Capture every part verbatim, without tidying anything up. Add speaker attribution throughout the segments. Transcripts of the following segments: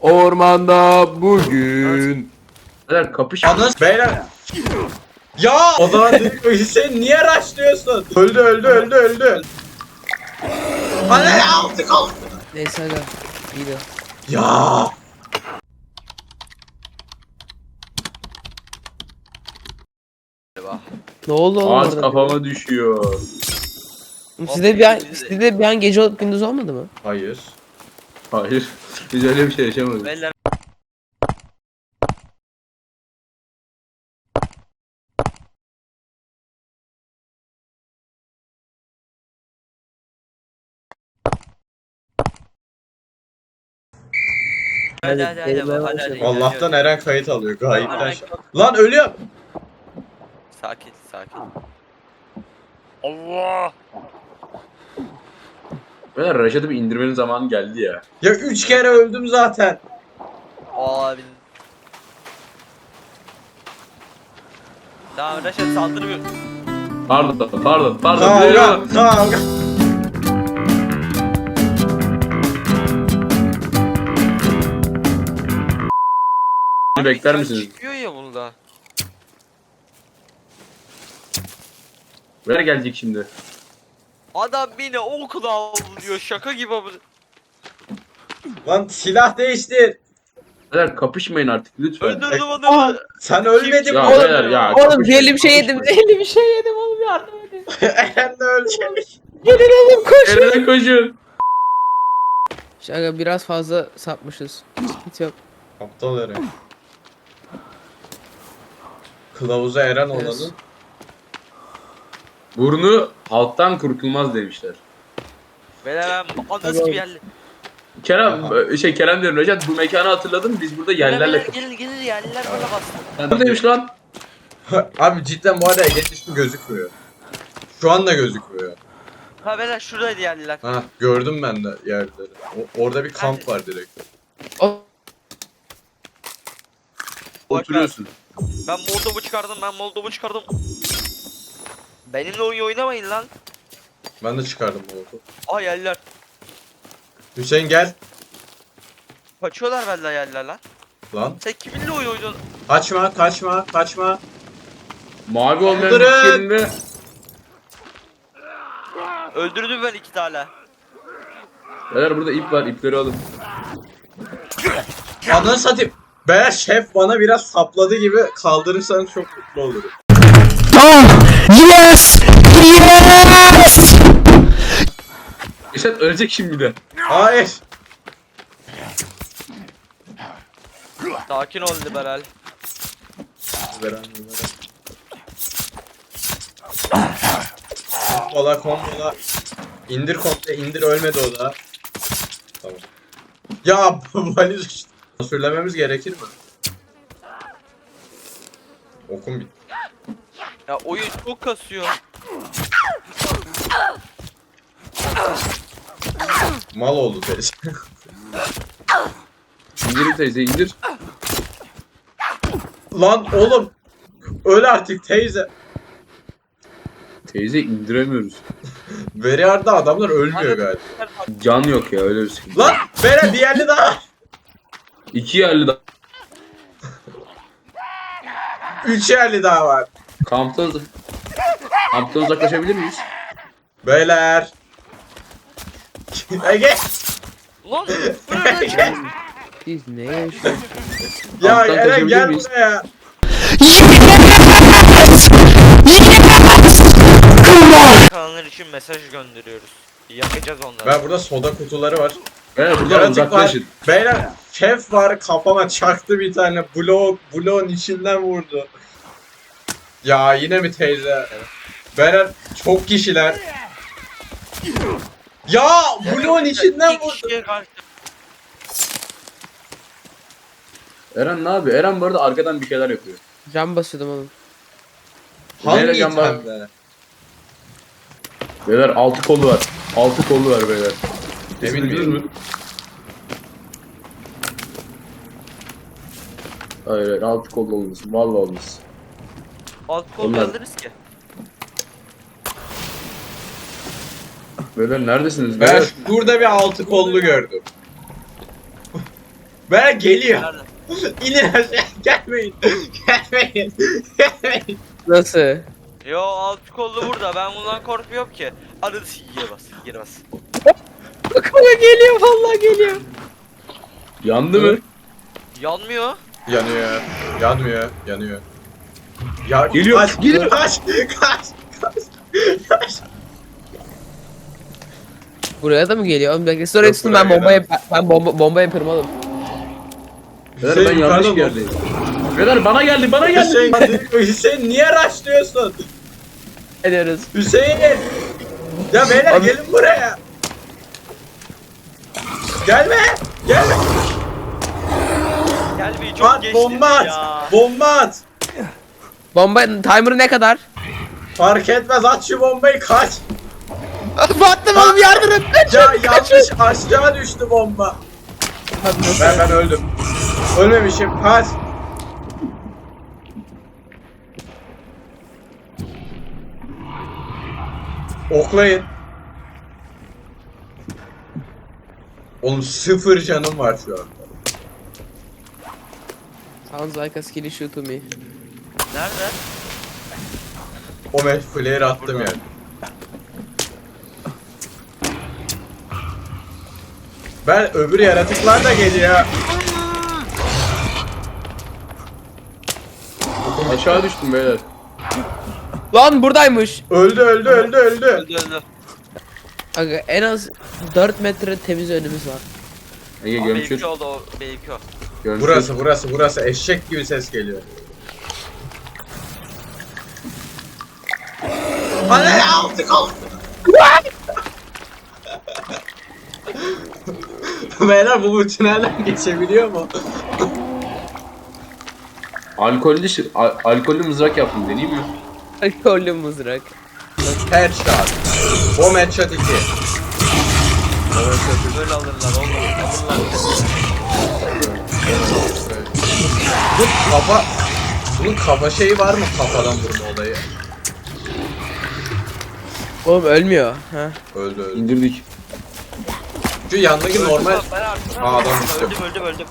Speaker 1: Ormanda bugün.
Speaker 2: Beyler kapış.
Speaker 3: Anız beyler. Ya o zaman dedik Hüseyin niye rushlıyorsun? Öldü öldü öldü öldü. Anne aldık aldık.
Speaker 4: Neyse aga. İyi de.
Speaker 3: Ya.
Speaker 4: Ne oldu oğlum
Speaker 2: Ağaç
Speaker 4: orada?
Speaker 2: kafama düşüyor.
Speaker 4: Sizde bir an, sizde bir an gece olup gündüz olmadı mı?
Speaker 3: Hayır.
Speaker 2: Hayır. Biz öyle bir şey yaşamadık.
Speaker 5: Beyler hadi hadi hadi
Speaker 4: Eğlenmeye
Speaker 5: hadi hadi.
Speaker 4: başladım.
Speaker 3: Allah'tan Eren kayıt alıyor gayipten.
Speaker 5: Allah'tan-
Speaker 3: şey- Lan ölüyor.
Speaker 5: Sakin sakin. Allah.
Speaker 2: Beyler Reşat'ı bir indirmenin zamanı geldi ya.
Speaker 3: Ya üç kere öldüm zaten.
Speaker 5: Abi. Tamam Reşat saldırmıyor.
Speaker 2: Pardon pardon pardon.
Speaker 3: Kavga kavga.
Speaker 2: Bekler
Speaker 5: Abi,
Speaker 2: misiniz?
Speaker 5: Çıkıyor ya bunda.
Speaker 2: Beyler gelecek şimdi.
Speaker 5: Adam beni okula avlıyor şaka gibi abi.
Speaker 3: Lan silah değiştir.
Speaker 2: Beyler kapışmayın artık lütfen.
Speaker 5: Öldürdüm adamı.
Speaker 3: Sen ölmedin mi
Speaker 2: Ya
Speaker 3: oğlum?
Speaker 2: beyler ya.
Speaker 4: Oğlum
Speaker 2: kapışmayın,
Speaker 4: zehirli bir şey yedim.
Speaker 2: kapışmayın.
Speaker 4: Zehirli bir şey yedim oğlum, yardım edin.
Speaker 3: Eren de ölecek.
Speaker 4: Gelin oğlum koşun.
Speaker 2: Eren'e koşun.
Speaker 4: Aga biraz fazla sapmışız. Hiç yok.
Speaker 3: Aptal Eren. Kılavuza Eren
Speaker 4: Evet.
Speaker 3: olanın.
Speaker 2: Burnu halktan kurtulmaz demişler.
Speaker 5: Beyler ben anası
Speaker 4: Tamam.
Speaker 5: bir yerli.
Speaker 2: Kerem,
Speaker 3: Aha.
Speaker 2: şey Kerem diyorum Reşat bu mekanı hatırladın mı? Biz burada yerlerle
Speaker 5: Beyler gelin gelin yerliler bana bastı.
Speaker 2: kapıştık. Demiş lan.
Speaker 3: Abi cidden bu arada Ege'nin ismi gözükmüyor. Şu anda gözükmüyor.
Speaker 5: Ha beyler şuradaydı yerliler.
Speaker 3: Ha gördüm ben de yerleri. O- orada bir kamp var direkt.
Speaker 4: O
Speaker 2: Oturuyorsun.
Speaker 5: Ben Moldov'u çıkardım ben Moldov'u çıkardım. Benimle oyun oynamayın lan.
Speaker 3: Ben de çıkardım bu
Speaker 5: Aa yerliler.
Speaker 3: Hüseyin gel.
Speaker 5: Kaçıyorlar benden yerliler lan.
Speaker 3: Lan.
Speaker 5: Sen kiminle oyun oynuyorsun?
Speaker 3: Kaçma kaçma kaçma.
Speaker 2: Mavi olmayan
Speaker 3: Kaldırın.
Speaker 2: yerinde.
Speaker 5: Öldürdüm ben iki tane.
Speaker 2: Beyler burada ip var, ipleri alın.
Speaker 3: Ananı satayım. Be şef bana biraz sapladı gibi kaldırırsanız çok mutlu olurum.
Speaker 2: Reşat ölecek şimdi de.
Speaker 3: Hayır.
Speaker 5: Sakin ol liberal.
Speaker 3: Veren veren. Kombola kombola. İndir komple indir ölmedi o da. Tamam. Ya valiz işte. Sürlememiz gerekir mi? Okum bitti.
Speaker 5: Ya oyun çok kasıyor.
Speaker 3: Mal oldu teyze.
Speaker 2: İndir teyze indir.
Speaker 3: Lan oğlum. Öl artık teyze.
Speaker 2: Teyze indiremiyoruz.
Speaker 3: Veriarda adamlar ölmüyor galiba.
Speaker 2: Can yok ya öyle bir şey.
Speaker 3: Lan Beren bir yerli daha var.
Speaker 2: İki yerli daha.
Speaker 3: Üç yerli daha var.
Speaker 2: Kampta Kamptan uzaklaşabilir miyiz?
Speaker 3: Beyler. Ege.
Speaker 5: Lan buraya
Speaker 4: biz ne yaşıyoruz?
Speaker 3: Ya
Speaker 2: Kamptan
Speaker 3: Eren
Speaker 2: kaçabilir
Speaker 3: gel
Speaker 2: miyiz?
Speaker 3: buraya.
Speaker 5: kanallar için mesaj gönderiyoruz. Yakacağız onları.
Speaker 3: Ben burada soda kutuları var.
Speaker 2: Beyler buradan
Speaker 3: Yaratık var.
Speaker 2: uzaklaşın.
Speaker 3: Beyler şef var kafama çaktı bir tane blok bloğun içinden vurdu. Ya yine mi teyze? Beyler çok kişiler. Ya bloğun içinden
Speaker 5: İki
Speaker 3: vurdu.
Speaker 5: kişiye karşı.
Speaker 2: Eren ne yapıyor? Eren bu arada arkadan bir şeyler yapıyor.
Speaker 4: Cam basıyordum oğlum.
Speaker 3: Hangi
Speaker 2: Nereye can var?
Speaker 3: itemde?
Speaker 2: Beyler altı kolu var. Altı kolu var beyler.
Speaker 3: Emin
Speaker 2: Bildiniz
Speaker 3: miyim?
Speaker 2: mi? Hayır hayır altı kolu olmasın. Vallahi olmasın.
Speaker 5: Alt kol
Speaker 2: Onlar-
Speaker 5: alırız ki.
Speaker 2: Beyler neredesiniz?
Speaker 3: Ben
Speaker 2: Beyler.
Speaker 3: burada bir altı kollu gördüm. Beyler geliyor.
Speaker 5: Nerede?
Speaker 3: İnin aşağı. Gelmeyin. Gelmeyin. Gelmeyin.
Speaker 4: Nasıl?
Speaker 5: Yo alt kollu burada. Ben bundan korkmuyorum ki. Hadi geri bas. Geri bas.
Speaker 4: Kanka geliyor vallahi geliyor.
Speaker 2: Yandı mı?
Speaker 5: Yanmıyor.
Speaker 3: Yanıyor. Yanmıyor. Yanıyor. Ya
Speaker 2: Geliyor,
Speaker 3: Kaç.
Speaker 2: geliyor.
Speaker 3: Kaç. Kaç. Kaç. Kaç.
Speaker 4: Buraya da mı geliyor? Oğlum bekle. Sonra
Speaker 3: Yok,
Speaker 4: tutun
Speaker 3: buraya
Speaker 4: ben bomba
Speaker 3: gelemez.
Speaker 4: yap ben bomba bomba yaparım oğlum.
Speaker 2: Beyler
Speaker 3: Hüseyin
Speaker 2: ben yanlış
Speaker 3: yukarıda
Speaker 2: yerdeyim. Beyler bana geldi bana geldi.
Speaker 3: Hüseyin, Hüseyin niye rushlıyorsun?
Speaker 4: Ediyoruz.
Speaker 3: Hüseyin! Ya beyler
Speaker 4: Abi-
Speaker 3: gelin buraya. Gelme! Gelme!
Speaker 5: Gel bir çok
Speaker 3: At
Speaker 5: geçti
Speaker 3: bomba
Speaker 5: ya.
Speaker 3: at! Bomba at!
Speaker 4: Bomba timer'ı ne kadar?
Speaker 3: Fark etmez at şu bombayı kaç!
Speaker 4: Battım oğlum yardım et.
Speaker 3: Ya yanlış aşağı düştü bomba. Ben ben öldüm. Ölmemişim kaç! Oklayın. Oğlum sıfır canım var şu an.
Speaker 4: Sounds like a skilly shoot to me.
Speaker 5: Nerede?
Speaker 3: O match flare attım yani. Ben öbür yaratıklar da geliyor.
Speaker 2: Aşağı düştüm beyler.
Speaker 4: Lan buradaymış.
Speaker 3: Öldü öldü öldü öldü.
Speaker 5: Öldü öldü.
Speaker 4: Aga en az dört metre temiz önümüz var.
Speaker 2: Ege
Speaker 5: Aa,
Speaker 2: gömçür.
Speaker 5: benimki oldu o. Benimki o.
Speaker 2: Gömçür.
Speaker 3: Burası burası burası eşek gibi ses geliyor. Anne aldık aldık. Beyler bu bu tünelden geçebiliyor mu?
Speaker 2: Alkollü, şi- al- alkollü mızrak yaptım deneyeyim mi?
Speaker 4: Alkollü mızrak.
Speaker 3: Headshot. Bomb headshot iki.
Speaker 5: Böyle alırlar oğlum. Alırlar.
Speaker 3: Bu kafa... Bunun kafa şeyi var mı kafadan vurma olayı?
Speaker 4: Oğlum ölmüyor. Ha.
Speaker 3: Öldü öldü.
Speaker 2: İndirdik.
Speaker 3: Şu yandaki normal...
Speaker 5: Ben artık-
Speaker 3: Aa, adam düştü.
Speaker 5: Öldüm öldüm öldüm.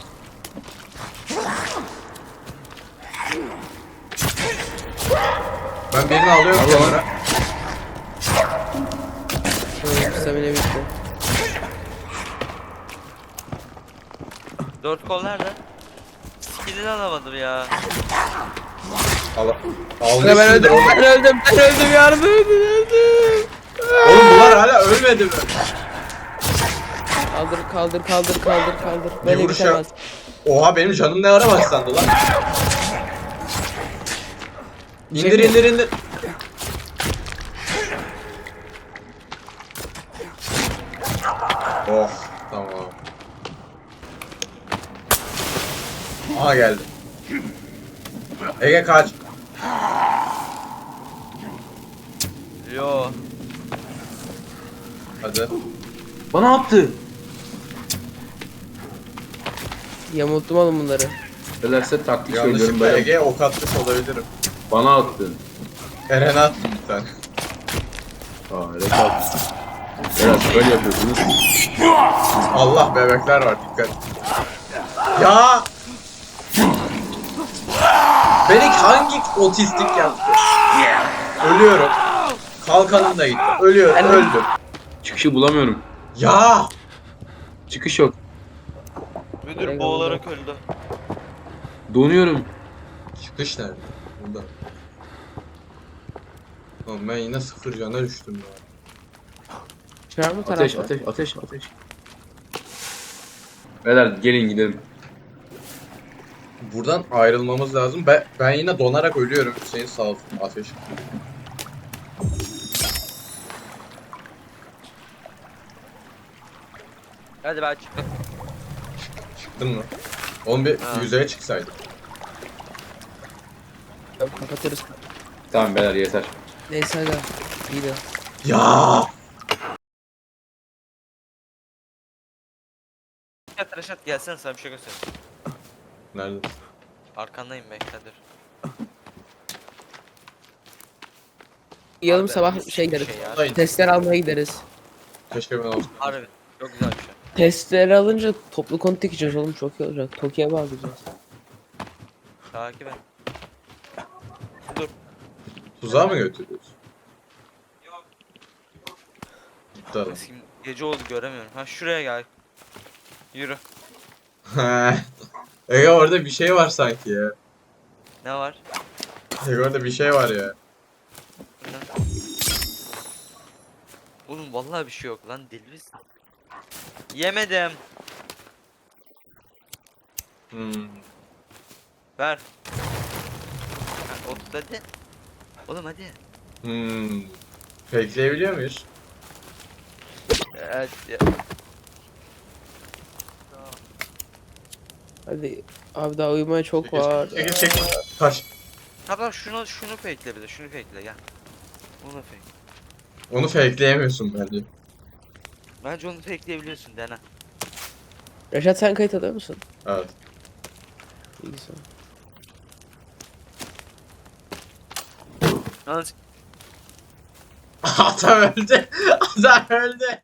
Speaker 3: Ben birini alıyorum kenara.
Speaker 4: Oğlum stamina bitti.
Speaker 5: Dört kol nerede? Skillini alamadım ya.
Speaker 3: Al.
Speaker 4: Aga ben öldüm,
Speaker 3: Almışsındır oğlum.
Speaker 4: ben öldüm, ben öldüm, yardım edin, öldüm.
Speaker 3: Oğlum bunlar hala ölmedi mi?
Speaker 4: Kaldır, kaldır, kaldır, kaldır, kaldır. Böyle
Speaker 3: vuruş
Speaker 4: bitemez.
Speaker 3: Oha benim canım ne ara başlandı lan. İndir indir indir. Oh tamam. Aha geldi. Ege kaç.
Speaker 5: Yo.
Speaker 3: Hadi.
Speaker 2: Bana attı.
Speaker 4: Yamulttum oğlum bunları.
Speaker 2: Beyler size taktik söylüyorum
Speaker 3: Yanlışlıkla
Speaker 2: beyler.
Speaker 3: Ege'ye ok atmış olabilirim.
Speaker 2: Bana attın.
Speaker 3: Eren'e attım bir tane.
Speaker 2: Aa evet attın. Beyler böyle yapıyorsunuz.
Speaker 3: Allah bebekler var dikkat. Ya! Beni hangi otistik yaptı? Ölüyorum. Kalkanım da gitti. Ölüyorum.
Speaker 4: Ben-
Speaker 3: Öldüm.
Speaker 2: Çıkışı bulamıyorum.
Speaker 3: Ya!
Speaker 2: Çıkış yok.
Speaker 5: Müdür
Speaker 4: Eyvallah.
Speaker 5: boğularak öldü.
Speaker 2: Donuyorum.
Speaker 3: Çıkış nerede? Burada. Oğlum ben yine sıfır cana düştüm ya.
Speaker 4: Şu an bu
Speaker 2: Ateş
Speaker 4: tarafta.
Speaker 2: ateş ateş ateş. Beyler gelin gidelim.
Speaker 3: Buradan ayrılmamız lazım. Ben, ben yine donarak ölüyorum. Hüseyin sağ olsun. Ateş.
Speaker 5: Hadi ben çıktım.
Speaker 3: Çıktın mı? Oğlum bir
Speaker 5: Ha.
Speaker 3: yüzeye çıksaydık.
Speaker 4: Kapatırız.
Speaker 2: Tamam beyler yeter.
Speaker 4: Neyse aga. İyi de.
Speaker 3: Ya!
Speaker 5: Reşat Reşat gelsene sana bir şey göstereyim.
Speaker 3: Nerede?
Speaker 5: Arkandayım bekle dur.
Speaker 4: Yarım
Speaker 5: Abi,
Speaker 4: sabah
Speaker 5: mis
Speaker 4: şey
Speaker 5: gibi
Speaker 4: gideriz.
Speaker 5: ya.
Speaker 3: Dayı.
Speaker 4: Testler almaya gideriz.
Speaker 3: Keşke ben olsaydım.
Speaker 5: Harbi çok güzel bir şey.
Speaker 4: Testleri alınca toplu konut dikeceğiz oğlum, çok iyi olacak. Toki'ye bağlayacağız.
Speaker 5: Takip et. Dur.
Speaker 3: Tuzağa mı götürüyorsun? Gitti adam.
Speaker 5: Eski gece oldu göremiyorum. Ha şuraya gel. Yürü.
Speaker 3: Ege orada bir şey var sanki ya.
Speaker 5: Ne var?
Speaker 3: Ege orada bir şey var ya.
Speaker 5: Burada. Oğlum vallahi bir şey yok lan, deli misin? Yemedim.
Speaker 3: Hmm.
Speaker 5: Ver. Ha, ot hadi. Oğlum hadi.
Speaker 3: Hmm. Fakeleyebiliyor muyuz?
Speaker 5: Evet. Ya.
Speaker 4: Hadi abi, daha uyumaya çok
Speaker 3: Çekil,
Speaker 4: var.
Speaker 3: çekil, çekil. Kaç.
Speaker 5: Tamam şunu şunu fakele bir de, şunu fakele gel. Bunu fake.
Speaker 3: Onu fakeleyemiyorsun bence.
Speaker 5: Bence onu fakeleyebiliyorsun, dene.
Speaker 4: Reşat, sen kayıt alıyor musun?
Speaker 3: Evet.
Speaker 4: İyi güzel.
Speaker 5: Yalnız
Speaker 3: Adam öldü. Adam öldü.